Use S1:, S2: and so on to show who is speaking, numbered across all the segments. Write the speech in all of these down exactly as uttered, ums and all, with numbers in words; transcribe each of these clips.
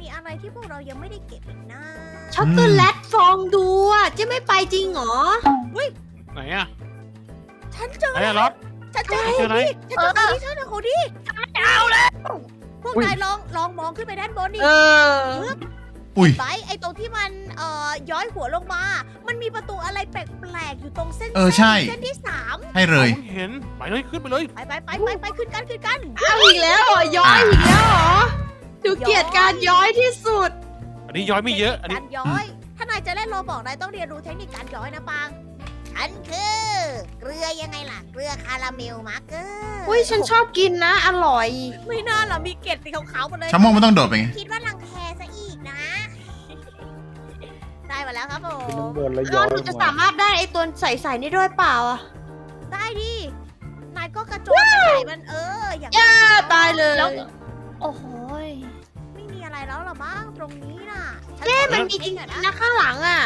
S1: มีอะไรที่พวกเรายังไม่ได้เก็บอีกนะ
S2: ช็อกโกแลตฟองดูอ่ะเจะไม่ไปจริงเหรอ
S3: ไหนอะ
S1: ฉันเจอ
S3: ไหนอะรถ
S1: ฉันเจอ
S3: เจออะไร
S1: ฉันเจอคนนี้ฉันเจอคนนี้เอาแล้วพวกนายลองลองมองขึ้นไปด้านบนดิ
S2: เออ
S4: อุ้ย
S1: ไปไอตรงที่มันเอ่อย้อยหัวลงมา มันมีประตูอะไรแปลกๆอยู่ตรงเส้น
S4: เออใช่
S1: เส้นที่สาม
S4: ให้เลย
S3: เห็นไปเลยขึ้นไปเลย
S1: ไปไปไปไปไปขึ้นกันขึ้นกัน
S2: เอาอีกแล้วเหรอย้อยอีกแล้วเหรอดูเกลียดการย้อยที่สุด
S3: อันนี้ย้อยไม่เยอะอันนี้
S1: การย้อย ถ้านายจะเล่นโรบอกนายต้องเรียนรู้เทคนิคการย้อยนะปัง ฉันคือ เกลือยังไงล่ะ เกลือคาราเมลมาร์เกอร์
S2: อุ้ยฉันชอบกินนะ อร่อย
S1: ไม่น่าหรอมีเกล็ดสีขาวๆหมดเลย
S4: ชั่วโมงมันต้องโดดไปไง
S1: คิดว่ารังแคซะอีกนะ ได้มาแล้วครับผ
S5: ขึ้นข้าง
S1: ม
S5: บนแล้วย้
S2: อ้า
S5: อ
S2: วย หนูจะสามารถได้ไอตัวใสๆนี่ด้วยเปล่าอ่ะ
S1: ได้ดิ นายก็กระโจนไปใส่มันเออ อย่าง
S2: ย่าตายเลย
S6: แล้ว โอ้โหย
S1: ไม่มีอะไรแล้วหรอมั้งตรงนี้น่ะฉั
S2: เจ๊
S1: ขอ
S2: มัน
S1: ลอง
S2: มีจริง
S1: เช็คห
S2: ๆ
S1: อย
S2: นะข้างหลังอ่ะ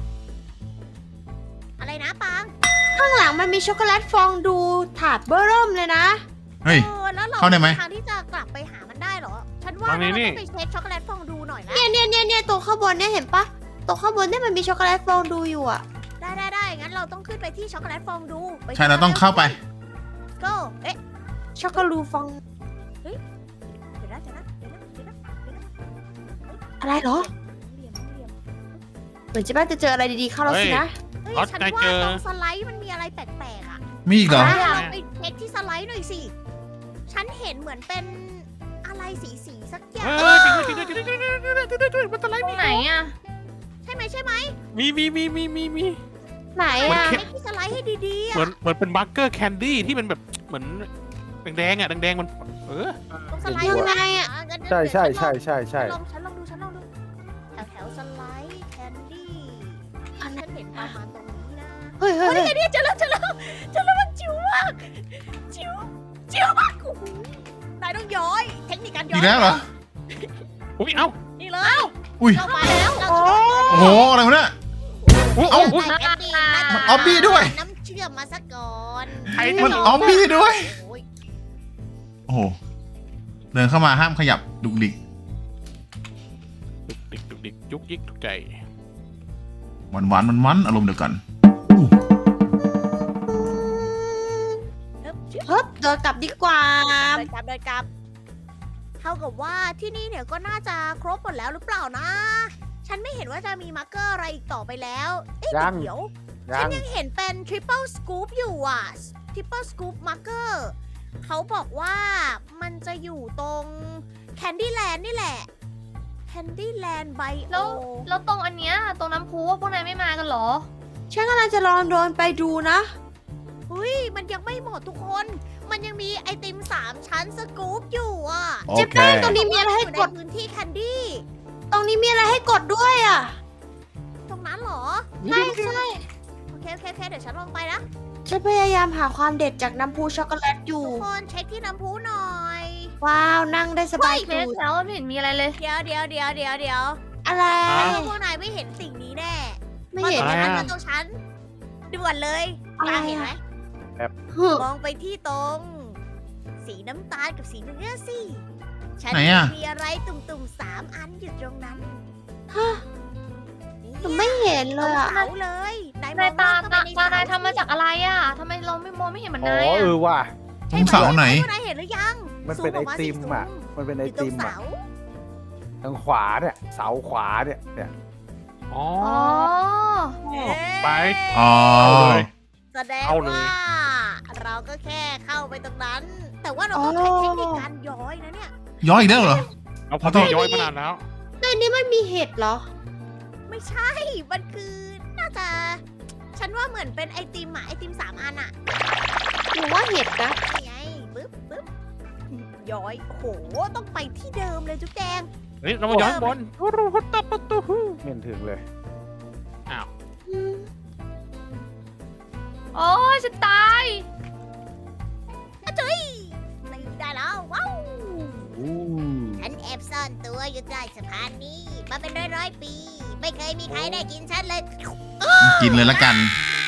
S1: อะไรนะปัง
S2: ข้างหลังมันมีช็อกโกแลตฟองดูถาดเบอร์เริ่มเลยนะ
S4: เฮ้ย
S1: เออแล้วเรา
S4: เข้าได้ไหม
S1: ทางที่จะกลับไปหามันได้เหรอ ฉันว่าเราต้องไปเช็คช็อกโกแลตฟองดูหน่อยนะ
S2: เนี่ยเนี่ยเนี่ยเนี่ยตัวข้างบนเนี่ยเห็นปะตัวข้างบนเนี่ยมันมีช็อกโกแลตฟองดูอยู่อ่ะ
S1: ได้ได้ได้งั้นเราต้องขึ้นไปที่ช็อกโกแลตฟองดูไป
S4: ใช่เราต้องเข้าไป
S1: ก็เอ๊ะ
S2: ช็อกโกลูฟอง
S1: เดี๋ยวนะเดี๋ยวนะเดี๋ยวนะเดี๋ยวนะเดี๋ยวนะ
S2: อะไรเหรอ
S1: เหลี่ยมเหลี่ยม
S2: เหมือนจะบ้าจะเจออะไรดีๆเข้าแล้วสินะ
S1: เฮ้ย
S3: รถ
S1: ฉัน
S3: นาย
S1: ว่า
S3: เจอ
S1: ตรงสไลด์มันมีอะไรแปลกๆอ่ะ
S4: มีอีกเหรอ
S1: ลองไปเช็คที่สไลด์หน่อยสิ ฉันเห็นเหมือนเป็นอะไรสีสีๆสักอย่าง
S3: เฮ้ยจริงด้วยจริงด้วยจริงด้วยจริงด้วยจริงด้วยจริงด้วยมันอะไร
S6: ตรงไหนอ่ะ
S1: ใช่ไหมใช่ไหม
S3: มีมีมีมีมีมี
S2: ไหนอ่ะ
S1: เช็คที่สไลด์ให้ดีๆ
S3: เหมือ
S1: อ่ะ
S3: นเหมือนเป็นบัคเกอร์แคนดี้ที่มันแบบเหมือนแดงๆอ่ะแดงๆมันเออ
S1: ตรงสไลด์
S2: ยังไงอะ
S1: งั้น
S5: ใช่ใช่
S1: เดี๋ยว
S5: ใช่ใช่ใช่
S1: ฉันลองฉันลองดูฉันลองดูแถวแถวๆสไลด์แคนดี้
S2: อันนั้
S1: ฉั
S2: น
S1: นเห็นประมาณตรงนี้นะ
S2: เฮ้ยเฮ้ย
S1: เฮ้ย
S2: เฮ้ย
S1: เนี่ยเจอแล้วเจอแล้วเจอแล้วมันจิ๋วมากจิ๋วจิ๋วมากโอ้โหนายต้องย้อย เทคนิคการย้อย
S4: อีกแล้วเหรอ
S3: อุ้ยเอ้า
S1: นี่เลย
S4: อุ้ย
S1: เข้าไปแล้วเรา
S2: โอ้
S4: โอ้โห อะไรวะเนี่ย
S3: อุ้ย
S4: เอ้า
S3: อุ้ย
S1: ได้แคนดี้ได้
S4: มันออบบี้ด้วย
S1: น้ำเชื่อมมาซะก่อน
S3: ใคร
S4: มัน
S3: จะ
S4: ออมบี้ด้วย
S1: โอ้ย
S4: โอ้โห เดินเข้ามาห้ามขยับดุกดิก
S3: ดุกดิกดุกดิกยุกยิกทุกใจ
S4: หวานหวานมันมันๆอารมณ์เดียวกัน
S1: เฮ้ยชิบ
S2: เฮ้ยเดินกลับดีกว่า
S1: เดินกลับเดินกลับเท่ากับว่าที่นี่เนี่ยก็น่าจะครบหมดแล้วหรือเปล่านะ ฉันไม่เห็นว่าจะมีมาร์กเกอร์อะไรอีกต่อไปแล้ว เอ๊ะ
S5: ยัง
S1: เดี๋ยว
S5: ยั
S1: ฉัน
S5: ง
S1: ยังเห็นเป็น triple scoop อยู่อ่ะ triple scoop marker เขาบอกว่ามันจะอยู่ตรง Candyland นี่แหละ Candyland
S6: แล้ว
S1: Bio
S6: แล้วตรงอันเนี้ยตรงน้ำพุพวกนายไม่มากันเหรอ
S2: ฉันกำลังจะลองโดนไปดูนะ
S1: เฮ้ย มันยังไม่หมดทุกคน มันยังมีไอติมสามชั้นสกู๊ปอยู่อ่ะ
S4: โอ
S2: เจ๊
S4: เค
S2: แป้งตรงนี้มีอะไรให้
S1: อยู่
S2: ก
S1: ใน
S2: ด
S1: พื้นที่ Candy
S2: ตรงนี้มีอะไรให้กดด้วยอ่ะ
S1: ตรงนั้นเหรอ
S2: ใช่ใช่
S1: โอเคโอเคโอเคเดี๋ยวฉันลงไปนะ
S2: ฉันพยายามหาความเด็ดจากน้ำพุช็อกโกแลตอยู่
S1: ทุกคนเช็คที่น้ำพุหน่อย
S2: ว้าว นั่งได้สบาย
S6: เม
S2: ตู
S6: ส
S2: ด
S6: แล้วไม่เห็นมีอะไรเลย
S1: เดี๋ยวเดี๋ยวเดี๋ยวเดี๋ยวเดี๋ยว
S2: อะไร
S3: ฮะ
S1: พวกนายไม่เห็นสิ่งนี้แน่
S2: ไม่เห็น
S1: มา
S3: อะไร
S1: ตรง
S3: อะ
S1: ฉันมาตรงฉันด่วนเลย
S2: อะไร
S1: ตา
S2: อะ
S1: เห็นไหม
S2: เฮ้ย
S1: มองไปที่ตรง สีน้ำตาลกับสีเนื้อสิ ฉัน
S4: ไหนอะ
S1: มีอะไรตุ่มๆสามอันอยู่ตรงนั้น
S2: ฮะ
S1: นี่
S2: หนูไม่เห็นเลยอ่ะ
S1: เสาเลยนายม
S6: นา
S1: อย ง
S6: ตา
S1: เข้าไป
S6: ตา
S1: ใน
S6: ตา
S1: เส
S6: นายทำมาจากอะไรอ่ะทำไมเราไม่มองไม่เห็นเหมือน
S5: อ๋อน
S6: าย
S5: เอ
S6: อ่ะ
S5: อว่ะ
S1: ใช่
S4: ตรงเสาไหน
S1: พวกนายเห็นหรือยัง
S5: มันเป็น
S1: ซู
S5: ไอ
S1: ออกา
S5: ติม
S1: สิ
S5: อ่ะ
S1: ซู
S5: มันเป็นไอ
S1: อยู่ตร
S5: ติ
S1: ง
S5: ม
S1: เสา
S5: อ่ะทางขวาเนี่ย เสาขวาเนี่ยเนี่ย
S3: อ๋อ
S6: อ๋อ
S1: เอ๊ะ
S3: ไป
S4: อ๋อ
S3: เอาเลย
S1: แสดง
S3: เอาเลย
S1: ว่า เราก็แค่เข้าไปตรงนั้น แต่ว่าเราต้องใช้เทคนิคการย้อยนะเนี่ย
S4: ย้อยอีกแล้วเหรอ
S3: เราพอต้องย้อยมานานแล้ว
S2: ในนี้มันมีเห็ดเหรอ
S1: ไม่ใช่ มันคือน่าจะ ฉันว่าเหมือนเป็นไอติมอะไอติมสามอันอะ
S2: หนูว่าเห็ดนะ
S1: นี่ไงปึ๊บปึ๊บย้อย โอ้โห ต้องไปที่เดิมเลยจุ๊บแจง
S3: เฮ้ยเรามาย้อนบนรูฮุตตะประตู
S5: ไม่เห็นถึงเลย
S2: อืม
S6: โอ้ยฉันตาย
S1: อะจุ้ยไม่ได้แล้ว ว้าว
S5: อู้
S1: ฉันแอบซ่อนตัวอยู่ใต้สะพานนี้ มาเป็นร้อยร้อยๆปี ไม่เคยมีใครได้กินฉันเลย
S4: กินเลยละกัน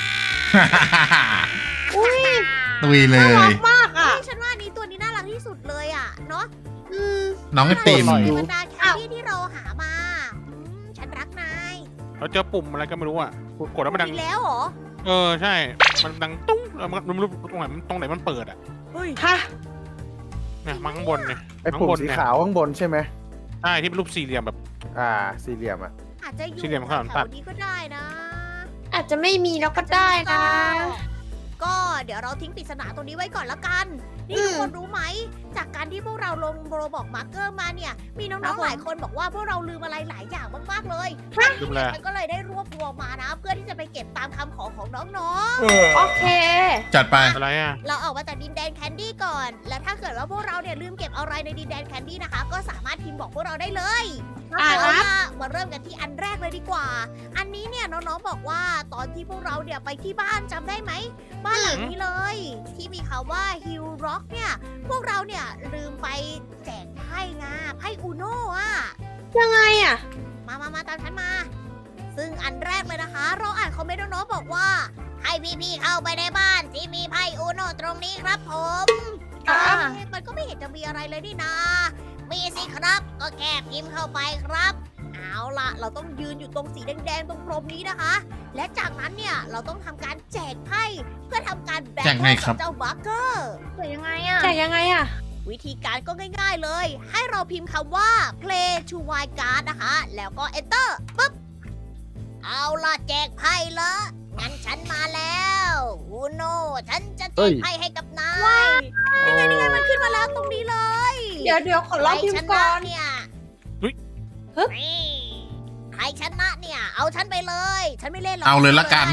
S2: อุ้ย
S4: ตุยเล
S2: น่าย รักมากอ่ะ
S1: เฮ้ยฉันว่านี้ตัวนี้น่ารักที่สุดเลยอะเนาะ
S2: อืม
S4: น้องไอติม
S1: ในบรรดาแคนดี้ที่เราหหามาอืมฉันรักนาย
S3: เราเจอปุ่มอะไรก็ไม่รู้อ่ะกดแล้วมันดัง
S1: อีกแล้วเหรอ
S3: เออใช่ มันดังตุ้งแล้วมันไม่รู้ตรงไหนมันตรงไหนมันเปิดอ่ะ
S1: เฮ้ย
S2: ฮะ
S3: เนี่ยมาข้างบนเนี่ย
S5: ไอ้ปุ่ม
S3: ข้างบน
S5: สี
S3: เนี่ย
S5: ขาวข้างบนใช่ไหม
S3: ใช่ที่เป็นรูปสี่เหลี่ยมแบบ
S5: อ่า สี่เหลี่ยมอ่ะ
S1: อาจจะอยู่
S3: สี่เหลี่ยมข้างหลัง
S1: แถ
S3: ตั
S1: ว
S3: ด
S1: ๆนี้ก็ได้นะ
S2: อาจจะไม่มีแล้วก็ได้นะ
S1: ก็เดี๋ยวเราทิ้งปริศนาตรงนี้ไว้ก่อนละกัน นี่
S2: อืม
S1: ทุกคนรู้ไหม จากการที่พวกเราลงโรบอกมาร์เกอร์มาเนี่ย มีน้
S2: ครั
S1: อบ ง
S2: ผม
S1: ๆหลายคนบอกว่าพวกเราลืมอะไรหลายอย่างมากๆเลย
S3: ลืมอะไร
S1: ฉันก็เลยได้รวบรวมมานะ เพื่อที่จะไปเก็บตามคำขอของน้อง
S5: เออ
S2: โอเค
S4: จัดไป
S3: อะไรอ่ะ
S1: ๆ เราออกมาจากดินแดนแคนดี้ก่อน และถ้าเกิดว่าพวกเราเนี่ยลืมเก็บอะไรในดินแดนแคนดี้นะคะ ก็สามารถพิมพ์บอกพวกเราได้เลย
S2: อ่า
S1: เอา
S2: ครับ
S1: ล่ะมาเริ่มกันที่อันแรกเลยดีกว่า อันนี้เนี่ยน้องๆบอกว่าตอนที่พวกเราเนี่ยไปที่บ้านจำได้ไหม บ้านหลังนี้เลย ที่มีคำว่า Hill Rock เนี่ย พวกเราเนี่ยลืมไปแจกไพ่งาไพ่อูโน่อะ
S2: ยังไงอ่ะ
S1: มามามาตามฉันมา ซึ่งอันแรกเลยนะคะ เราอ่านคอมเมนต์น้องๆบอกว่า ให้พี่ๆเข้าไปในบ้านที่มีไพ่อูโน่ตรงนี้ครับผม
S6: อ่า
S1: เอ๊ะมันก็ไม่เห็นจะมีอะไรเลยนี่นา มีสิครับ ก็แค่พิมพ์เข้าไปครับ เอาล่ะ เราต้องยืนอยู่ตรงสีแดงๆ ตรงพรมนี้นะคะ และจากนั้นเนี่ย เราต้องทำการแจกไพ่เพื่อทำการแบ่ง
S4: แจกไงครับ
S1: กัเจ้าบัคเกอร์
S6: แต่ยังไงอ่ะ
S2: แต่ยังไงอ่ะ
S1: วิธีการก็ง่ายๆเลย ให้เราพิมพ์คำว่า play to wild card นะคะ แล้วก็ enter ปุ๊บ เอาล่ะแจกไพ่ละงั้นฉันมาแล้วอูโนฉันจะแจ
S5: เฮ้
S1: ก
S5: ย
S1: ไพ่ให้กับนายนี่ไงนี่ไงมันขึ้นมาแล้วตรงนี้เลย
S2: เดี๋ยวเดี๋ยวขอลองพิม
S1: ใครช
S2: พ์ก่
S1: นะ
S2: อน
S1: เนี่ย
S3: เฮ้ย
S2: ฮึบ
S1: นี่ใครชนะเนี่ย เอาฉันไปเลย ฉันไม่เล่นหรอก
S4: เอาเลยละกัน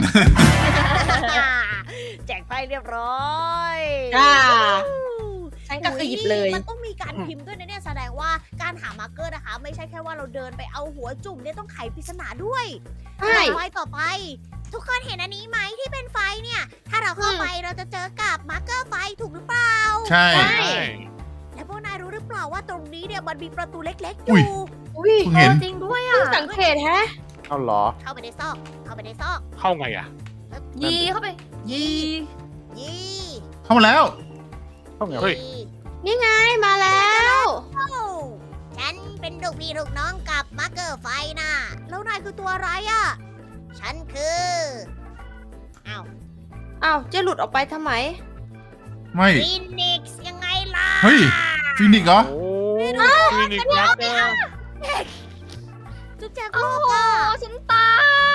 S1: แจกไพ่เรียบร้อย
S2: อ่า ฉันก็คือหยิบเลย
S1: มันต้องมีการพิมพ์ด้วยนะเนี่ยแสดงว่าการหามาร์กเกอร์นะคะ ไม่ใช่แค่ว่าเราเดินไปเอาหัวจุ่มเนี่ยต้องไขปริศนาด้วย
S2: ใช่
S1: ต่อไปต่อไป ทุกคนเห็นอันนี้ไหมที่เป็นไฟเนี่ย ถ้าเราเข้าไปเราจะเจอกับมาร์กเกอร์ไฟถูกหรือเปล่า
S4: ใช่
S2: ใช่
S3: ใช่
S1: และพวกนายรู้หรือเปล่าว่าตรงนี้เนี่ยมันมีประตูเล็กๆอ
S4: อุ้ย
S1: ยู่
S2: อุ้ย
S4: เพิ่งเห็น
S6: จริงด้วย
S2: เพิ่
S6: อ่ะ
S2: งสังเกตแฮะ
S5: เอาเหรอ
S1: เข้าไปในซอก เข้าไปในซอก
S3: เข้าไงอ่ะ
S6: ยีเข้าไป ยี
S1: ยี่
S4: เข้ามาแล้ว
S5: เข้าไง
S3: เฮ้ย
S1: ยี่
S2: นี่ไงมาแล้ว
S1: โอ้ฉันเป็นลูกพี่ลูกน้องกับมาร์กเกอร์ไฟนะแล้วนายคือตัวอะไรอะฉันคืออ้าว
S2: อ้าวเจะหลุดออกไปทำไม
S4: ไม่
S1: ฟินิกซ์ยังไงล่ะ
S4: เฮ้ย ฟินิกซ์เหรอ
S3: โอ้คลินิกมาร์เกอร์
S1: จุ๊บแจง
S6: โอ้
S1: โลก
S6: โห
S1: อะ
S6: ฉันตาย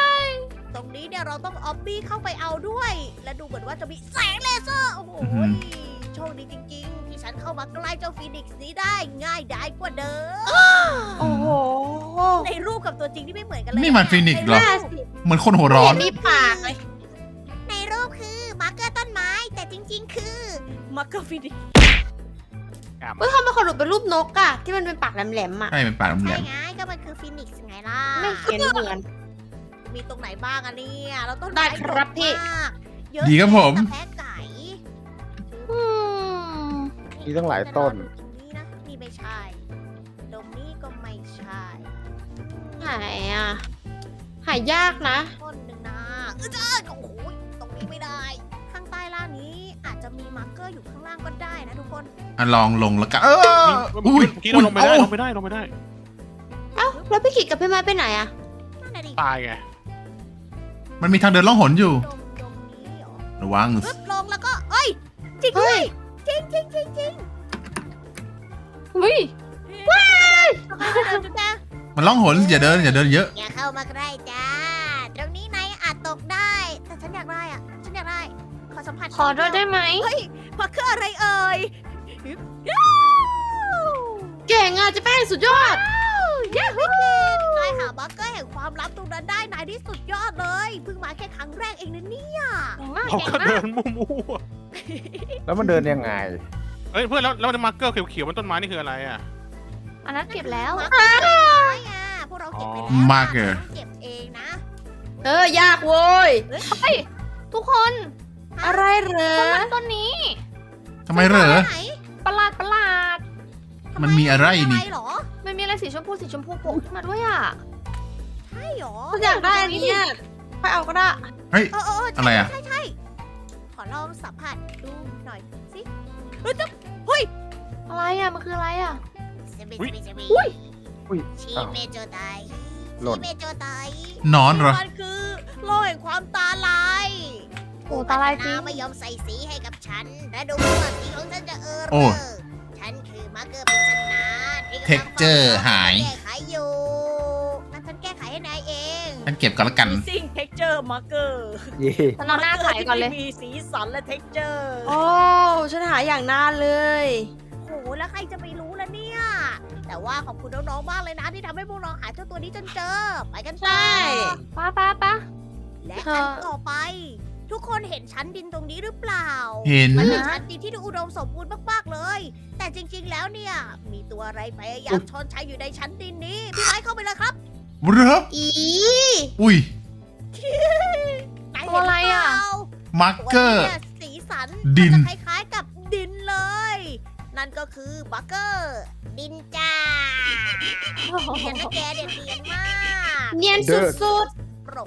S1: ตรงนี้เนี่ยเราต้องออบบี้เข้าไปเอาด้วย และดูเหมือนว่าจะมีแสงเลเซอร์ โอ้โห
S4: อื้อหือ
S1: โชคดีจริงๆ ที่ฉันเข้ามาใกล้เจ้าฟินิกซ์นี้ได้ง่ายดายกว่าเดิม
S2: โอ้โห
S1: ในรูปกับตัวจริงที่ไม่เหมือนกันเลย
S4: นี่มันฟินิกซ์เหรอ
S2: น่าสิ
S4: เหมือนคนหัวร้อน
S2: มีปากเลย
S1: ในรูปคือมาร์กเกอร์ต้นไม้ แต่จริง ๆ คือมาร์กเกอร์ฟินิกซ์
S2: เฮ้ยทำไมเขาหลุดเป็นรูปนกอะที่มันเป็นปากแหลมๆอะ
S4: ใช่เป็นปากแหล
S1: ใช่
S4: ม
S1: ไงก็มันคือฟินิกซ์ไงล่ะ
S2: ไม่เห็นเหมือน
S1: มีตรงไหนบ้างอะเนี่ยเราต้น
S2: ได้
S1: ไม้
S2: ครับพี่
S1: เยอะมากเยอะ
S4: ดีครับผม
S1: แต่แพ้ไก่
S2: อืม
S5: มีตั้งหลายต้น
S1: ตรงนี้นะนี่ไม่ใช่ ตรงนี้ก็ไม่ใช่
S2: หายอะหายยากนะ
S1: ต้นหนึ่งนะเออเจ้าโอ้โหตรงนี้ไม่ได้ ข้างใต้ล่างนี้อาจจะมีมาร์กเกอร์อยู่ข้างล่างก็ได้นะทุกคน
S4: ๆอ่ะลองลงแล้วกัน เออ
S3: เมื่
S4: อุ้ย
S3: อกี้เราลงไม่ได้
S4: อุ้ย
S3: ลงไม่ได้ลงไม่ได้
S2: เอ้าแล้วพี่ขิดกับพี่ไม้ไปไหนอะ
S1: นั่นน่ะดิ
S3: ตายไง
S4: มันมีทางเดินล่องหนอยู่
S1: ตรงตรงนี้เหรอ
S4: ระวัง
S1: ปึ๊บลงแล้วก็เอ้ยจริงด้วยจริงจริงจริงจริง
S2: อุ้ย
S1: ว้ายเดินจุดแดง
S4: มันล่องหนอย่าเดินอย่าเดินเยอะ
S1: อย่าเข้ามาใกล้จ้า ตรงนี้นายอาจตกได้ แต่ฉันอยากได้อะฉันอยากได้ ขอสัมผัส
S2: ขอด้วยได้ไหม
S1: เฮ้ยมาคืออะไรเอ่ย
S2: เก่งอะเจะแป้งสุดยอด
S1: เย้พี่นายหาบัคเกอร์แห่งความลับตรงนั้นได้ นายที่สุดยอดเลย เพิ่งมาแค่ครั้งแรกเองนะเนี่ย
S6: เก่งมาก
S3: เขา
S6: เก่ง
S3: ก็
S6: มา
S3: เดิ
S6: ก
S3: นมั่ว
S5: แล้วมันเดินยังไง
S3: ๆเฮ้ยเพื่อนแล้วแล้วมาร์เกอร์เขียวๆบนต้นไม้นี่คืออะไรอ่ะ
S6: อันนั้นเก็บแล้ว
S1: มาร์เกอร์ต้นไม้อะพวกเราเก็บไปแล้ว
S4: อ๋อมาร์เกอร์
S1: ต้องเก็บเองนะ
S2: เออยากโว้ย
S6: ทุกคน
S2: อะไรเหรอ
S6: ต้นไม้ต้นนี้
S4: ทำไมเหรอ
S1: ไหน
S6: ประหลาดประหลาด
S1: ทำ
S4: มันมีอะไรนี่
S1: เหรอ
S6: มันมีอะไรสีชมพูสีชมพูโผล่ขึ้นมาด้วยอ่ะ
S1: ใช่เหรอ
S2: ฉันอยากได้อันนี้เนี่ยไปเอาก็ได้
S4: เฮ้ย
S1: เออเออเออใช่
S4: อะไรอะ
S1: ใช่ใช่ขอลองสัมผัสดูหน่อยสิเฮ้ยจะเฮ้ย
S6: อะไรอ่ะ มันคืออะไรอ่ะ
S1: สบิ
S3: อุ๊ย
S1: สบิสบิ
S6: อุ๊ย
S5: อุ้ย
S1: ชี
S5: อ้าว
S1: เมโจได
S5: หล่น
S1: ชีเมโจได
S4: นอนเหรอ
S1: มันคือโลกแห่งความตาลาย
S6: โอ้ตาลายจริง
S1: ไม่ยอมใส่สีให้กับฉัน และดูว่าสีของฉันจะเออ
S4: โอ้
S1: เรอฉันคือมาร์เกอร์ปริศนาที่กำลัง
S4: Texture หาย
S1: แก้ไขอยู่นั่นฉันแก้ไขให้นายเอง
S4: ฉันเก็บก่อนละกัน
S1: ซิ่ง texture marker
S5: เย่
S6: ฉันเอาหน้าไข่ก่อนเลย
S1: มีสีสันและ texture
S2: โอ้ฉันหาอย่างนานเลย
S1: โหแล้วใครจะไปรู้ล่ะเนี่ย แต่ว่าขอบคุณน้องๆมากเลยนะที่ทำให้พวกเราหาเจ้าตัวนี้จนเจอ ไปกันต่อ
S2: ใช่
S6: ป้าป้าป้า
S1: และ
S2: เธ
S1: อั
S2: อ
S1: นต่อไป ทุกคนเห็นชั้นดินตรงนี้หรือเปล่า
S4: เห็น
S1: มันเป็นชั้นดินที่ดูอุดมสมบูรณ์มากๆเลย แต่จริงๆแล้วเนี่ย มีตัวอะไรพยายามชอนชัยอยู่ในชั้นดินนี้ พี่ไม้เข้าไปเลยครับ
S4: เหรอ
S1: อี
S4: อุ้ย
S1: นายเห็นหรือเปล่า
S4: มาร์
S1: ตัว
S4: เกอร์
S1: เนี่ยสีสัน
S4: ดิน
S1: มันจะคล้ายๆกับดินเลย นั่นก็คือบักเกอร์ ดินจ้าเห็นนะแกเด่นเดียนมาก
S2: เนียนสุด
S1: ปรก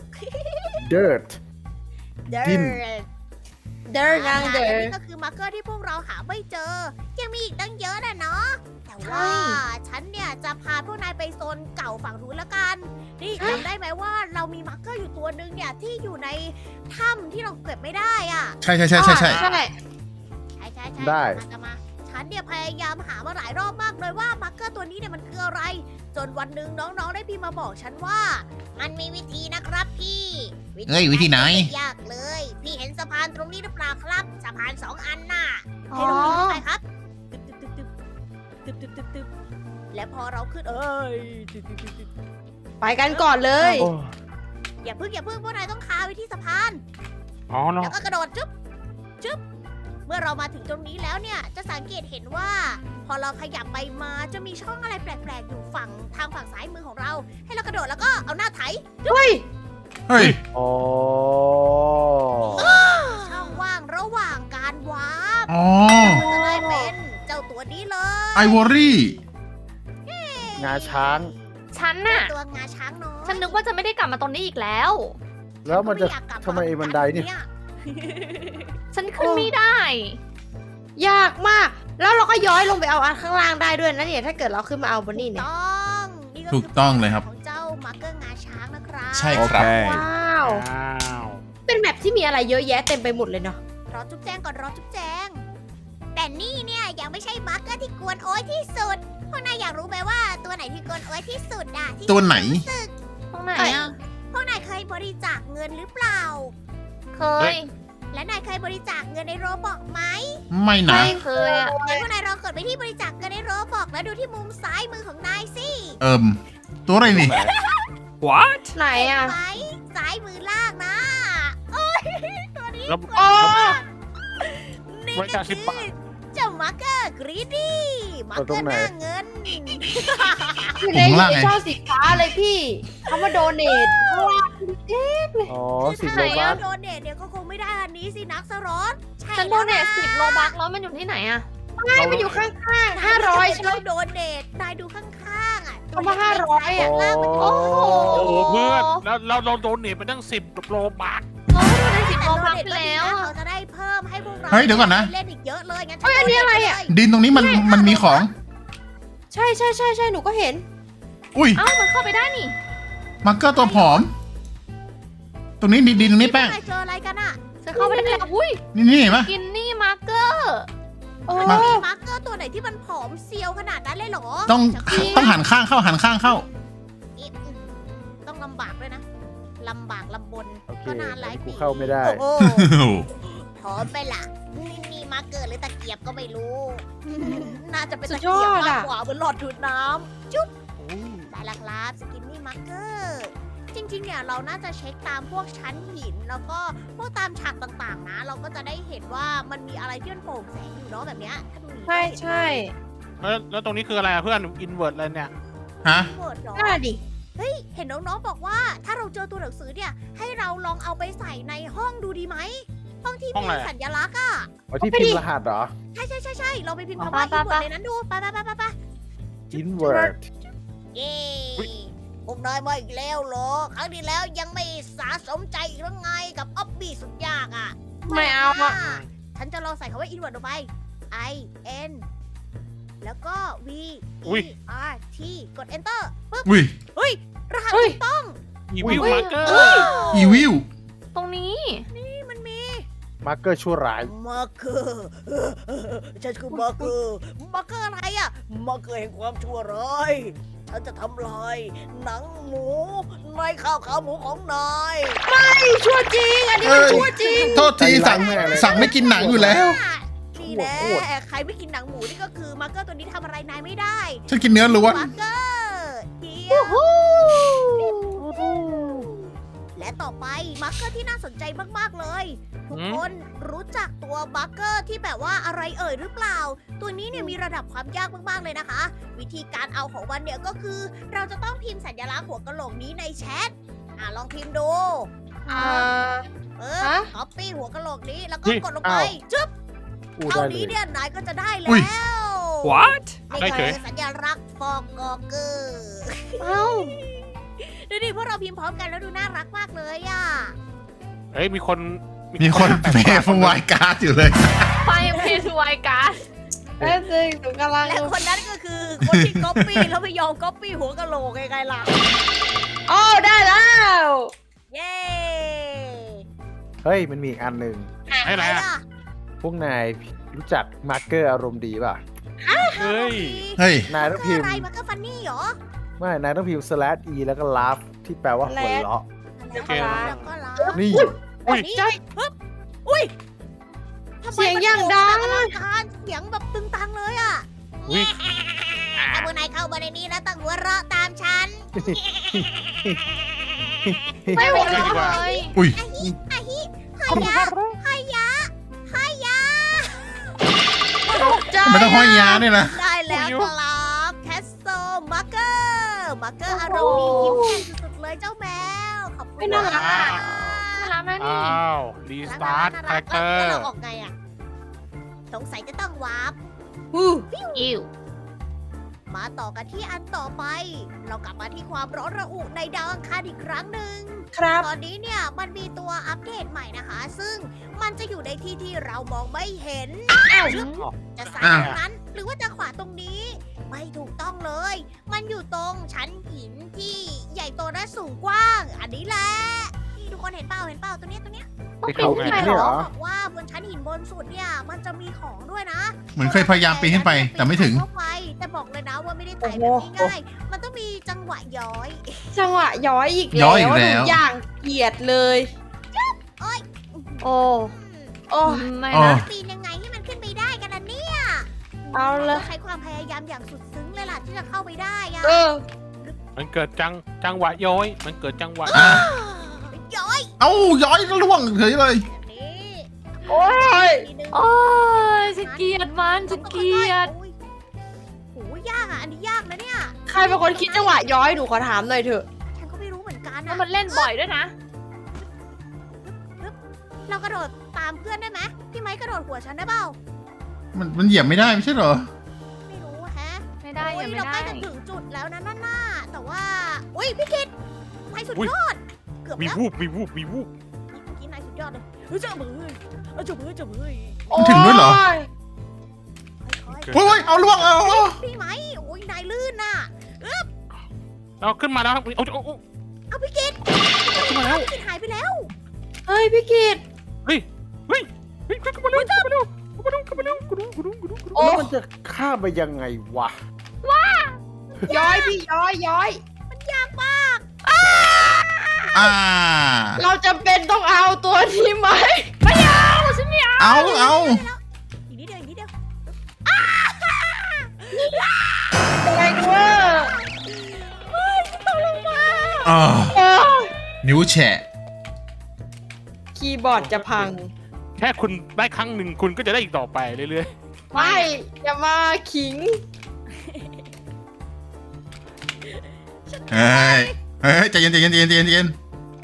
S5: dirt
S1: เดิ
S5: ดิน
S2: ๆ เดินนางเดิ
S1: อัน
S2: น
S1: นี้ก็คือมาร์เกอร์ที่พวกเราหาไม่เจอ ยังมีอีกตั้งเยอะนะเนาะ แต่ว่า ฉันเนี่ยจะพาพวกนายไปโซนเก่าฝั่งนู้นละกัน นี่จำได้ไหมว่าเรามีมาร์เกอร์อยู่ตัวหนึ่งเนี่ยที่อยู่ในถ้ำที่เราเก็บไม่ได้อ่ะ
S4: ใช่ใช่ใช่ใช่ใช่
S2: ใช่
S1: ใช่ใช่ใช่
S5: ได้
S1: มาจะมา ฉันเนี่ยพยายามหามาหลายรอบมากเลยว่ามาร์เกอร์ตัวนี้เนี่ยมันคืออะไร จนวันหนึ่งน้องๆได้พิมพ์มาบอกฉันว่า มันมีวิธีนะครับพี่
S4: เอ้ยวิธีไหน
S1: ม่ยากเลย พี่เห็นสะพานตรงนี้หรือเปล่าครับ สะพานสองอันน่ะ ให้เราปีนขึ้นไปครับตึ๊บตึ๊บตึ๊บตึ๊บตึ๊บตึ๊บตึ๊บและพอเราขึ้นเอ้ยตึ๊บตึ๊บตึ๊บตึ๊บ
S2: ไปกันก่อนเลย
S5: โอ้
S1: อย่าเพิ่งอย่าเพิ่งพวกนายต้องคาไว้ที่สะพาน
S3: อ๋อเนาะ
S1: แล้วก็กระโดดจุ๊บจุ๊บเมื่อเรามาถึงตรงนี้แล้วเนี่ย จะสังเกตเห็นว่า พอเราขยับไปมาจะมีช่องอะไรแปลกๆ อยู่ฝั่งทางฝั่งซ้ายมือของเรา ให้เรากระโดดแล้วก็เอาหน้าไถ
S2: เฮ้ย
S4: เฮ้ย
S5: โอ้
S1: ช่องว่างระหว่างการวาร์ป
S4: อ๋อ
S1: มันจะได้เป็นเจ้าตัวนี้เลย
S4: ไอวอรี่
S5: งาช้าง
S6: ฉัน
S1: เจ้า
S6: น่ะ
S1: ตัวงาช้างน้อย
S6: ฉันนึกว่าจะไม่ได้กลับมาตรงนี้อีกแล้ว
S5: แล้วมันจะ
S1: ก็ไอยากกลับ
S5: ทำไมไอ้บันไดเนี่ย
S1: เย
S6: ฉันขึ้นไม่ได้
S2: ยากมาก แล้วเราก็ย้อยลงไปเอาอันข้างล่างได้ด้วยนะเนี่ย ถ้าเกิดเราขึ้นมาเอาบนนี่เนี่ย
S1: ต้องนี่ก็
S4: ถูกต้องเลยครับ
S1: ของเจ้ามาร์เกอร์งาช้างนะครับ
S4: ใช่ครับ
S2: ว้าว
S3: อ้าว
S2: เป็นแมปที่มีอะไรเยอะแยะเต็มไปหมดเลยเนาะ
S1: รอจุ๊บแจงก่อนรอจุ๊บแจง แต่นี่เนี่ยยังไม่ใช่มาร์เกอร์ที่กวนโอ้ยที่สุดพวกนายอยากรู้ไหมว่าตัวไหนที่กวนโอ้ยที่สุดอะที่
S4: ตัวไหน
S1: รู้สึก
S6: ตรงไหนอ่ะ
S1: พวกนายเคยบริจาคเงินหรือเปล่า
S6: เคย
S1: และนายเคยบริจาคเงินในโรบอกไหม
S4: ไม่นะ
S6: ไม่เคยอ่ะ
S1: งั้นพวกนายลองกดไปที่บริจาคเงินในโรบอกแล้วดูที่มุมซ้ายมือของนายสิ
S4: เอิมตัวอะไรนี่
S3: what
S2: ไหนอ่ะ
S1: ไหมซ้ายมือล่างนะโอ้ยตัวนี้
S3: แล้ว
S2: โอ้
S1: นี่
S3: บริ
S1: ก็
S3: จาคสิ
S1: คื
S3: บบา
S1: อ
S3: ท
S1: เจ้ามาร์เกอร์กรีดี้มาร์เกอ
S5: เอาตรง
S1: ร์
S5: ไหน
S1: หน้าเงิน
S2: อยู่ใน
S4: ผมว่า
S2: อยู่ใน
S4: ไง
S2: ช่องสีฟ้าเลยพี่เขามาโดเนทข้างล่าง
S5: อ๋อสิบ
S6: ไห
S5: โล
S6: น
S5: บั
S6: อะ
S5: ส
S1: โดเนทเนี่ยก็คงไม่ได้อันนี้สินักสรอตใช่
S6: ฉันโดเนท
S1: แล้วะ
S6: สิบโลบักแล้วมันอยู่ที่ไหนอ่ะ
S2: ใช่มันอยู่ข้างๆห้าร้อยใช่ไหม
S1: เราโดเนทนายดูข้างๆอ่ะ
S2: เอามาห้าร้อยอะ
S1: ตัวเล็กๆซ้าย
S5: โอ้
S1: ล่างมัน
S3: โอ้โหเพื่อนแล้วเราเราโดนเนทไปตั้งสิบโลบาท
S6: เราได้สิบ
S1: แต่
S6: โล
S1: โด
S6: บัก
S1: เนท
S6: ไป
S1: ก็ดี
S6: แล้ว
S1: นะ
S6: อะ
S1: เขาจะได้เพิ่มให้พวกเรา
S4: เฮ้ยเดี๋ยวก่อนนะ
S1: เล่นอีกเยอะเลยงั้น
S2: เฮ้ยอันนี้อะไรอะ
S4: ดินตรงนี้มันมันมีของ
S2: ใช่ใช่ใช่ใช่หนูก็เห็น
S4: อุ้ย
S6: เอ้ามันเข้าไปได้นี่
S4: มาร์เกอร์ตัวผอม ตรงนี้ดินดินตรงนี้แป้ง
S1: พวกนายเจออะไรกันอ่ะ
S6: ฉันเข้าไปได้แล้วอุ้ย
S4: นี่นี่เห็นปะ
S6: กินนี่มาร์เกอร์
S2: โอ้
S1: มันมีมาร์เกอร์ตัวไหนที่มันผอมเซียวขนาดนั้นเลยเหรอ
S4: ต้อง
S1: จะกิน
S4: ต้องหันข้างเข้าหันข้างเข้า
S1: อีกอืมต้องลำบากด้วยนะลำบากลำบน
S5: โอเค
S1: ก็นานหลาย
S5: อันนี้กู
S1: ปี
S5: เข้าไม่ได้
S1: โอ้โห
S4: โอ้โห
S1: พร้อมไปล่ะนี่นี่มาร์เกอร์หรือตะเกียบก็ไม่รู้ น่าจะเป็น
S2: สุ
S1: ตะ
S2: ดย
S1: เกีย
S2: อบ ด
S1: มาก
S2: อะ
S1: กว่าเหมือนหลอดดูดน้ำจุ๊บได้ละครับสกินนี่มาร์เกอร์จริงๆเนี่ยเราน่าจะเช็คตามพวกชั้นหิน แล้วก็พวกตามฉากต่างๆนะ เราก็จะได้เห็นว่ามันมีอะไรที่มันโปร่งแสงอยู่เนาะแบบเนี้ยถ้าดู
S2: ใช่ใช่
S3: แล้วแล้วตรงนี้คืออะไรอะเพื่อนอินเวอร์ตอะไรเนี่ย
S4: ฮะ
S1: เวิร์ดเหรอ
S2: น่าดิ
S1: เฮ้ยเห็นน้องๆบอกว่า ถ้าเราเจอตัวหนังสือเนี่ย ให้เราลองเอาไปใส่ในห้องดูดีไหมห้องที่
S3: ห้อง
S1: มี
S3: อะไรอะ
S1: สัญลักษณ์อ่ะ
S5: เอาที่พิมพ์รหัสเหรอ
S1: ใช่ใช่ใช่ใช่เราไปพิมพ์
S6: เอา
S1: คำว่า
S6: ไป
S1: อิน
S6: ไป
S1: เวิร์ด
S6: ไป
S1: ในนั้นดูไปไปไปไปไป
S5: invert
S1: เย้
S3: อุ๊ย
S1: พวกนายมาอีกแล้วเหรอ ครั้งที่แล้วยังไม่สะสมใจอีกแล้วไงกับออบบี้สุดยากอ่ะ
S2: ไม่เอาอะ
S1: ฉันจะลองใส่คำว่า invert ลงไป I N แล้วก็ V
S3: อุ๊ย
S1: E R T กด enter ปึ๊บ
S4: อุ้ย
S1: เฮ้ยรหัส
S2: เฮ้ย
S1: ถูกต้อง
S3: อีวิลมาร์เกอร์
S4: อีวิล
S6: ตรงนี้
S1: นี่มันมี
S5: มาร์เกอร์ชั่วร้าย
S1: มาร์เกอร์ฉันคือมาร์เกอร์มาร์เกอร์อะไรอะมาร์เกอร์แห่งความชั่วร้ายฉันจะทำลายหนังหมูในข้าวขาหมูของนาย
S2: ชั่วจริง อันนี้มันชั่วจริง
S4: โทษทีสั่งสั่งไม่กินหนังอยู่แล้ว
S1: นี่แน่ใครไม่กินหนังหมูนี่ก็คือมาร์เกอร์ตัวนี้ทำอะไรนายไม่ได้
S4: ฉันกินเนื้อล้วน
S1: มาร์เกอร์เดียวและต่อไปมาร์เกอร์ที่น่าสนใจมากๆเลย ทุกคนรู้จักตัวมาร์เกอร์ที่แบบว่าอะไรเอ่ยหรือเปล่า ตัวนี้เนี่ยมีระดับความยากมากๆเลยนะคะ วิธีการเอาของมันเนี่ยก็คือ เราจะต้องพิมพ์สัญลักษณ์หัวกะโหลกนี้ในแชทอ่ะลองพิมพ์ดู
S2: อ่า
S1: เอ
S2: ฮะ
S1: อคัปปี้หัวกะโหลกนี้แล้วก็
S3: เฮ้ย
S1: กดลงไป
S5: อ้าว
S1: จึ๊บ
S5: อู้
S1: เท่า
S5: ได้เล
S1: นี้
S5: ย
S1: เนี่ยนายก็จะได้แล้
S4: อุ๊
S1: วย
S3: What
S1: นี่
S3: ได้เฉ
S1: คื
S3: ย
S1: อสัญลักษณ์ฟองกอเกอร์
S2: เอ้า
S1: ดูดิพวกเราพิมพ์พร้อมกันแล้วดูน่ารักมากเลยอ่ะ
S3: เฮ้ยมีคน
S4: ๆมีคนเปย์ฟวายการ์ดอยู่เลย
S6: ไฟเพสไวการ์ด
S2: เอ้ยจริงหนูกำลัง
S1: และคนนั้นก็คือคนที่ก๊อปปี้แล้วไม่ยอมก๊อปปี้หัวกะโหลกไงๆล่ะ
S2: โอ้ได้แล้ว
S1: เย้
S5: เฮ้ยมันมีอีกอันหนึ่ง
S3: ให้อะไร
S1: อะไร
S3: อะ
S1: ล่ะ
S5: พวกนายรู้จักมาร์เกอร์อารมณ์ดีป่ะ
S3: เฮ้ย
S4: เฮ้ย
S5: นายต้อง
S1: คื
S5: พิ
S1: อ
S5: ม
S1: อะไร
S5: พ์
S1: มันก็ฟันนี่เหรอ
S5: ไม่นายต้องพิมพ์ slash e แล้วก็ laugh ที่แปลว่าหัวเราะ
S1: แล้ว
S3: โอเค
S1: ก็แล้วก็ล้าง
S5: นี่
S3: อุ้ย
S1: นี่ปึ๊บอุ้ยทำไม
S2: เสียง
S1: มัน
S2: อย่างดัง
S1: โด่แบบอลังการเสียงแบบตึงตังเลยอ่ะ
S3: อุ๊ย
S1: ถ้าพวกนายเข้ามาในนี้แล้วต้องหัวเราะตามฉัน
S2: ไม่หัวเราะ
S3: ดีกว่า
S2: เลย
S4: อุ้ย
S1: อะฮิอะฮิฮายะฮายะฮายะ
S2: ใจ
S4: มันต้องห้อยยาด้วยนะ
S1: ได้แล้วครับแคสโซมาร์เกอร์มาร์เกอร์อารมณ์ดียิ้มแย้มสุดๆเลยเจ้าแมวขอบคุณ
S2: ไม่น่ารัก
S1: มาก
S6: น่ารักนะนี่
S3: อ้าวรีสตาร์ทคาแรคเตอ
S1: แล้ว
S3: ร์
S1: เราออกไงอ่ะสงสัยจะต้องวาร์ป
S2: อู้
S6: อิว
S1: มาต่อกันที่อันต่อไป เรากลับมาที่ความร้อนระอุในดาวอังคารอีกครั้งหนึ่ง
S2: ครับ
S1: ตอนนี้เนี่ยมันมีตัวอัปเดตใหม่นะคะ ซึ่งมันจะอยู่ในที่ที่เรามองไม่เห็น
S2: อ้าว
S1: จะซ้าย
S4: อ้าว
S1: ตรงนั้น หรือว่าจะขวาตรงนี้ ไม่ถูกต้องเลย มันอยู่ตรงชั้นหินที่ใหญ่โตและสูงกว้าง อันนี้แหละนี่ทุกคนเห็นเปล่าเห็นเปล่าตัวเนี้ยตัวเนี้ย
S6: ต้องปีนขึ้นไปเหร
S5: เนี่ยเหร
S6: อ
S5: อ
S1: บอกว่าบนชั้นหินบนสุดเนี่ยมันจะมีของด้วยนะ
S4: เหมือนเคยพยายามปีนขึ้นไป แต่ไม่ถึง
S1: เข้าไปแต่บอกเลยนะว่าไม่ได้ไต่แบบง่ายๆมันต้องมีจังหวะย้อย
S2: จังหวะย้อยอีก
S4: ย้อยอีกแล้ว
S2: หนูอย่างเกลียดเลย
S1: โอ๊ย
S2: โอ้โอ้
S6: ไม่
S4: อ๋อ
S6: นะ
S1: ปีนยังไงให้มันขึ้นไปได้กันล่ะเนี่ย
S2: เอาเลย
S1: ใช้ความพยายามอย่างสุดซึ้งเลยล่ะที่จะเข้าไปได้อะ
S2: เออ
S3: มันเกิดจังจังหวะย้อย มันเกิดจังหวะ
S4: อ่ะ
S1: ย้อย
S4: เอ้าย้อยล่วงเฉยเลย
S1: แบบนี้
S2: โอ้ย
S1: ทีนึง
S6: โอ้ยฉันเกลียดมันฉันเกลียด
S1: โอ้ยโหยากอ่ะอันนี้ยากนะเนี่ย
S2: ใครเป็นคนคิดจังหวะย้อยหนูขอถามหน่อยเถอะ
S1: ฉันก็ไม่รู้เหมือนกัน
S6: แล้ว
S1: อะ
S6: มันเล่นบ่อยด้วยนะ
S1: เรากระโดดตามเพื่อนได้ไหมพี่ไม้กระโดดหัวฉันได้เปล่า
S4: มันมันเหยียบไม่ได้ไม่ใช่เหรอ
S1: ไม่รู้แฮะ
S6: ไม่ได้
S1: โอ้
S6: ยังไม่
S1: เราใก
S6: ได้
S1: ล้จะถึงจุดแล้วนะนั่นน่ะแต่ว่าอุ้ยพี่คิดนายสุดยอด เกือบ
S3: มี
S1: แล้ว
S3: วูบมีวูบมีวูบ
S1: เมื่อกี้นายสุดยอดเลยเฮ้ยเจ้ามือเอ้ยเจ้ามือเจ้ามือ
S4: มันถึงด้วยเหรอ
S2: โย
S1: ค่อย
S4: โอ้ยโอ้ยเอาล่วงเอาเอา
S1: ๆพี่ไม้โอ้ยนายลื่นน่ะ
S3: เราขึ้นมาแล้วเอาเอาเอา
S1: เอาพี่กิต
S3: ขึ้นมาแล้ว
S1: พี่กิตหายไปแล้ว
S2: เฮ้ยพี่กิต
S3: เฮ้ยเฮ้ยเฮ้ยขึ้นมาเร็วขึ้นมาเร็วขึ้นมาเร็วขึ้นมาเร็วกุดุงกุดุงกุดุงกุดุง
S2: โอ้
S5: แล้วมันจะข้ามไปยังไงวะ
S2: ย้อยพี่ย้อยย้อย
S1: ยากมาก
S4: อ่า
S2: เราจำเป็นต้องเอาตัวนี้ไหม
S4: เอาเอา
S1: อีกนิดเดียวอีกนิดเดียว
S2: แรงเวอร์
S4: อ่า
S2: เออ
S4: นิ้วแฉะ
S2: คีย์บอร์ดจะพัง
S3: แค่คุณได้ครั้งหนึ่งคุณก็จะได้อีกต่อไปเรื่อย
S2: ไม่อย่ามาขิง
S4: เฮ้ยเฮ้ยใจเย็นใจเย็นใจเย็นใจเย็นใจเย็น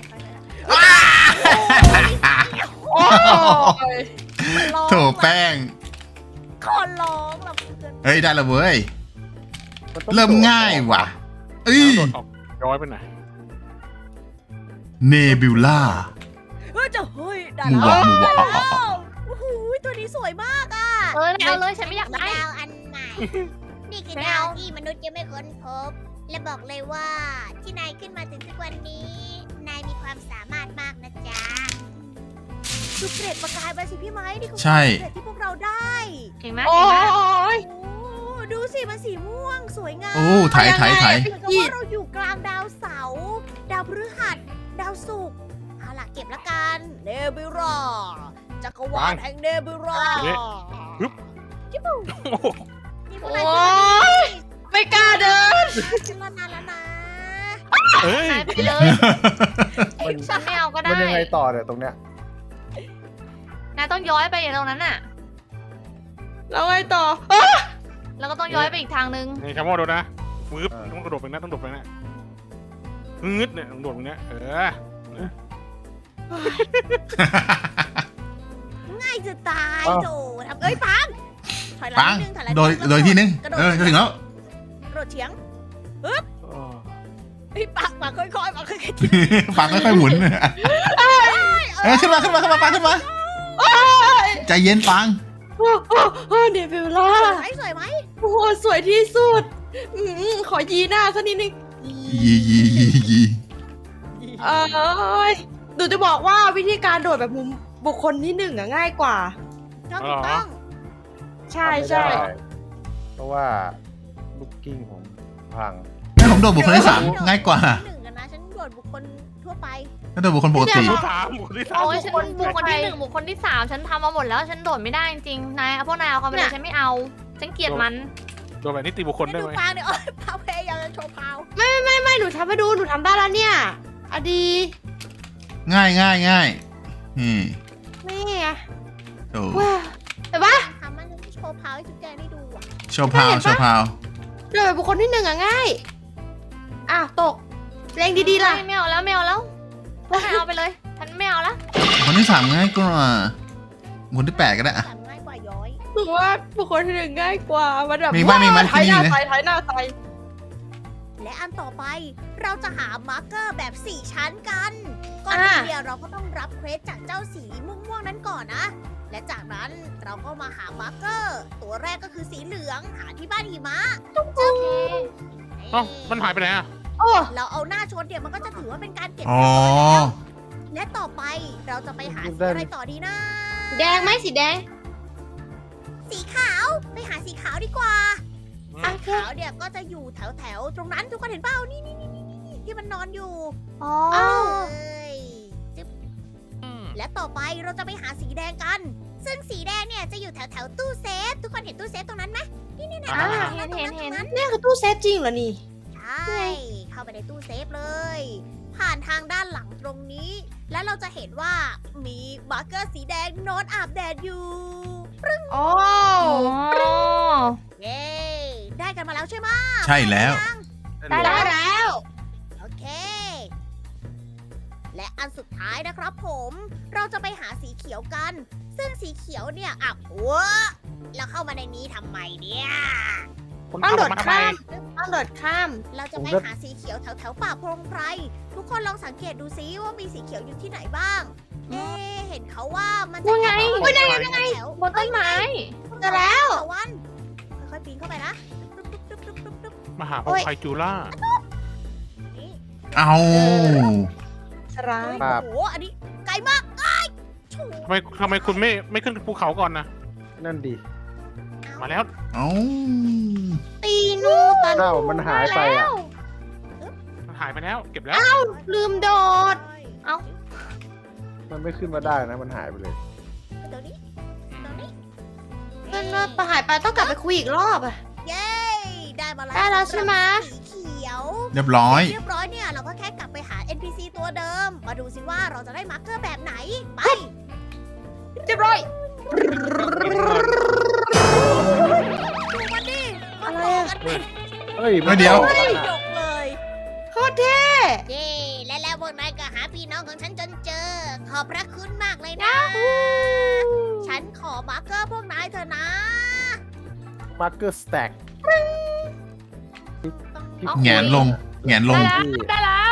S2: โอ้ย
S1: ร้อง
S4: โถแป้ง
S1: ขอร้องละเพื่อน
S4: เฮ้ยได้และเว้ย
S5: นต้อง
S4: เริ่มง่ายว่ะ
S3: ๆ
S4: เอ้ย
S3: โดดออกย้อยไปไหน
S4: เนบิวล่า
S1: เฮ้ยจะเฮ้ยได้
S4: หมู
S1: แล้ว
S4: วะหมูวะ
S1: ได้แล้วโอ้โหตัวนี้สวยมากอ่ะ
S6: เออเอาเลยฉันไม่อยากได้
S1: ดาวอันใหม่นี่คือ
S6: ไม่
S1: ดา
S6: เอา
S1: วที่มนุษย์ยังไม่ค้นพบ และบอกเลยว่าที่นายขึ้นมาถึงทุกวันนี้ นายมีความสามารถมากนะจ๊ะดูเกร็ดประกายไปสิพี่ไม้นี่คือ
S4: ใช่
S1: เกร็ดที่พวกเราได้
S6: เก่งไหม
S2: โอ้
S6: เก่งไหม
S2: ย
S1: โอ้ดูสิมันสีม่วงสวยงาม
S4: โอ้ไถไถไถ
S1: เหมือนกับว่าเราอยู่กลางดาวเสาร์ดาวพฤหัส ดาวศุกร์เอาล่ะเก็บละกันเนบิวราจักรวาลแห่งเนบิวรา
S3: เละฮึบ
S1: จิ๊บปุ๊
S3: โอ้โห
S1: นี่พวกนาย
S2: โอ้ยไม่กล้าเดิน
S1: ขึ้นมานานแล้วนะ
S3: เอ้ย
S6: หายไปเลยฉันไม่เอาก็ได้
S5: มันยังไงต่อเนี่ยตรงเนี้ย
S6: นายต้องย้อยไปอย่างตรงนั้นน่ะ
S2: แล้วไงต่อ
S6: แล้วก็ต้องย้อยไปอีกทางนึง
S3: นี่คำว่าโดนนะฟืบต้องกระโดดไปนะต้องกระโดดไปนะงึดเนี่ยต้องโดดตรงเนี้ยเออ
S1: ง่ายจะตายโจทำเอ้ยปังถอยหลั
S4: ปั
S1: ง
S4: ง
S1: นิดนึงถอยหลัง
S4: โดย
S1: นิดนึง
S4: โดยที่นึง
S1: กระโดด
S4: เออจะถึงแล้ว
S1: กระโดดเฉียง
S3: เออ
S1: เฮ้ยปังปังค่อยๆปังค่อย
S4: ปังค่อยๆหมุนเออขึ้นมาขึ้นมาขึ้นมาปังขึ้นมาใจเย็นปัง
S2: โอ้โอ้โอ้เดวิลล่า
S1: ๆสวยไหมสวยไหม
S2: โอ้โหสวยที่สุดอืมขอยีหน้าสักนิดนึง
S4: ยียียียี
S2: เอ้ยหนูจะบอกว่าวิธีการโดดแบบมุมบุคคลที่หนึ่งอะง่ายกว่า
S1: ต้องถูกต้อง
S2: ใช่
S5: ทำไม่
S2: ใช่
S5: ได้เพราะว่าลูกกิ้งผมพัง
S4: ให้ผมโดดบุคคลที่สามง่ายกว่า
S1: หนึ่งกันนะฉันโดดบุคคลทั่วไป
S4: ถ้าโดดบุคคลปกติ
S3: บุคคลสามบุคคลที่สาม
S6: โอ้ยฉันบุคคลที่หนึ่งบุคคลที่สามฉันทำมาหมดแล้วฉันโดดไม่ได้จริงๆนายเอาพวกนายเอาเขาไปเลยฉันไม่เอา ฉันเกลียดมัน
S3: โดนแบบนี้ตีบุคคลได้
S1: ดู
S3: ไหม
S1: ปางเนี่ยโอ้ยพาวพยายามจะโชว์พาว
S2: ไม่หนูทำให้ดูหนูทำได้แล้วเนี่ยอะดี
S4: ง่ายง่ายง่ายนี่
S2: แม่
S4: โอ้
S2: ว้าแต่ว่า
S1: ทำมันโชว์พาวให้ทุกแกได้ดูอ่ะ
S4: โชว์พาวโชว์พาว
S2: โดดแบบบุคคลที่หนึ่งอะง่ายอ้าวตกแรงดีๆล่ะ
S6: ไม่เอาแล้วไม่เอาแล้วพวกนายเอาไปเลย ฉันไม่เอาละ
S4: บุคคลที่สามง่ายกว่าบุคคลที่แปดก็ได้อะ
S1: แต่ง่ายกว่าย้อย
S2: หนูว่าบุคคลที่หนึ่งง่ายกว่ามันแบบ
S4: มีไหมมีไหม
S2: ว้าวถ่ายหน้า
S4: ที่นี่นะ
S2: ใส่ถ่ายหน้าใส่
S1: และอันต่อไปเราจะหามาร์กเกอร์แบบสี่ชั้นกันก่อนอื่นเนี่ยเราก็ต้องรับเควสจากเจ้าสีม่วงๆนั้นก่อนนะ และจากนั้นเราก็มาหามาร์กเกอร์ ตัวแรกก็คือสีเหลืองหาที่บ้านหิมะ
S6: โอเค
S3: เอ้ามันหายไปไหนอ่ะ
S2: โอ้
S1: เราเอาหน้าชนเนี่ยมันก็จะถือว่าเป็นการเก็บ
S4: อ๋อ
S1: เรียบร้อยแล้วและต่อไปเราจะไปหาสีอะไรต่อดีนะ
S2: แดงไหมสีแดง
S1: สีขาวไปหาสีขาวดีกว่า
S2: อ่ะ
S1: สีขาวเนี่ยก็จะอยู่แถวแถวๆตรงนั้นทุกคนเห็นเปล่านี่นี่นี่นี่ที่มันนอนอยู่
S6: อ๋อ
S2: อ้าว
S1: เอ้ยจึ๊บ
S3: อืม
S1: และต่อไปเราจะไปหาสีแดงกัน ซึ่งสีแดงเนี่ยจะอยู่แถวแถวๆตู้เซฟ ทุกคนเห็นตู้เซฟตรงนั้นไหมนี่นี่นี่
S6: อ่า
S1: ตรง
S6: เห็น
S1: ตรง
S6: เห็นเห็น
S1: ตรง
S2: เนี่ยคือตู้เซฟจริงเหรอนี่
S1: ใช่เข้าไปในตู้เซฟเลย ผ่านทางด้านหลังตรงนี้ และเราจะเห็นว่ามีมาร์กเกอร์สีแดงนอนอาบแดดอยู่
S2: อ๋อ
S6: อ๋อ
S1: เย้ได้กันมาแล้วใช่ไหม
S4: ใช่แล้ว
S6: ได้
S2: ได้
S6: แล้ว
S2: แล้ว
S1: โอเค และอันสุดท้ายนะครับผม เราจะไปหาสีเขียวกัน ซึ่งสีเขียวเนี่ยอ่ะวะแล้วเข้ามาในนี้ทำไมเนี่ย
S3: คน
S2: ต้อง
S3: ทำ
S2: โด
S3: ออก
S2: ด
S3: มาทำไม
S2: ข้ามต้องโดดข้าม
S1: เราจะไปหาสีเขียวแถวแถวๆป่าโพรงไพร ทุกคนลองสังเกตดูซิว่ามีสีเขียวอยู่ที่ไหนบ้าง เอ๊ะเห็นเขาว่ามันจะ
S6: ว่าไง
S1: แถวๆแถว
S6: บนต้นไม้
S2: เจอแล้ว
S1: ตะวันค่อยๆปีนเข้าไปนะตุ๊บตุ๊บตุ๊บตุ๊บตุ๊บตุ๊บ
S3: มาหาพวกไคจูล่า
S1: นี่
S4: เอา
S2: สร้า
S1: เฮ้
S2: ย
S1: ย
S5: ครับ
S1: โอ้โหอันนี้ไกลมากไอ้ชู
S3: ทำไมทำไมคุณไม่ไม่ขึ้นภูเขาก่อนนะ
S5: นั่นดิ
S3: มาแล้ว
S4: เอา
S2: ตีนูตัน
S5: เอ้ามันหายไปอ่ะ
S3: มันหายไปแล้ว เก็บแล้ว
S2: ลืมโดด
S6: เอ้า
S5: มันไม่ขึ้นมาได้นะมันหายไปเลย
S1: ตรงนี้ตรงนี้
S2: เพื่อนว่าประหายไปต้องกลับไปคุยอีกรอบอะ
S1: เย้ ได้มาแล้ว
S2: ได้แล้วใช่ไหม
S1: สีเขียว
S4: เรียบร้อย
S1: เรียบร้อยเนี่ย เราก็แค่กลับไปหา เอ็น พี ซี ตัวเดิม มาดูสิว่าเราจะได้มาร์กเกอร์แบบไหน ไป
S2: เรียบร้อย
S1: ดูมันดิ
S2: อะไร
S1: โต
S2: อะ
S1: กันเป็น
S5: เฮ้ย
S4: ไม่เดี๋ยว
S5: ออกมา
S1: ดกเลย
S2: โคตรเท่
S1: เย้และแล้วพวกนายก็หาพี่น้องของฉันจนเจอ ขอบพระคุณมากเลยนะ ฉันขอมาร์กเกอร์พวกนายเถอะนะ
S5: มาร์เกอร์สแต็ก
S1: ต้อง
S4: แหงนลงแหงนลง
S6: ได้แล้ว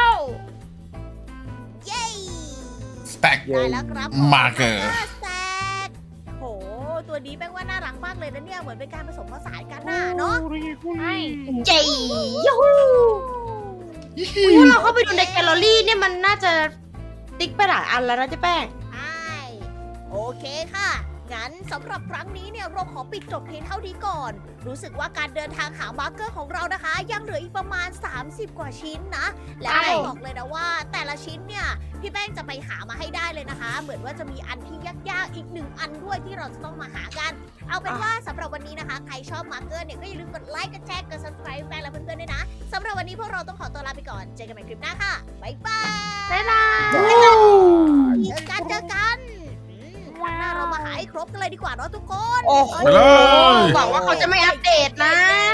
S1: เย้
S4: สแต็ก
S1: ได้แล้วครับ
S4: Marker
S1: แซกโหตัวนี้แป้งว่าน่ารักมากเลยนะเนี่ยเหมือนเป็นการผสมผสานกันน่ะเนาะ
S6: ใช่
S2: เจ๋ยูฮูถ้าเราเข้าไปดูในแกลเลอรี่เนี่ยมันน่าจะติ๊กไปหลายอันแล้วนะเจ๊แป้ง
S1: ใช่โอเคค่ะ งั้นสำหรับครั้งนี้เนี่ยเราขอปิดจบเพียงเท่านี้ก่อน รู้สึกว่าการเดินทางหามาร์เกอร์ของเรานะคะ ยังเหลืออีกประมาณ สามสิบ กว่าชิ้นนะ และ
S2: ใช่
S1: แป้งบอกเลยนะว่า แต่ละชิ้นเนี่ยพี่แป้งจะไปหามาให้ได้เลยนะคะ เหมือนว่าจะมีอันที่ยากๆอีกหนึ่งอันด้วยที่เราจะต้องมาหากัน เอาเป็นว่าสำหรับวันนี้นะคะ ใครชอบมาร์เกอร์เนี่ยก็อย่าลืมกดไลค์กดแชร์กด subscribe แป้งและเพื่อนๆด้วยนะสำหรับวันนี้พวกเราต้องขอตัวลาไปก่อนเจอกันใหม่คลิปหน้าค่ะบ๊ายบาย
S6: บ๊ายบาย
S1: เจอกันเจอกันอืมครั้งหน้าเรามาหาให้ครบกันเลยดีกว่าเนาะทุกคน
S2: โอ้โห
S4: ไปเลย
S2: หวังว่าเขาจะไม่อัปเดตนะ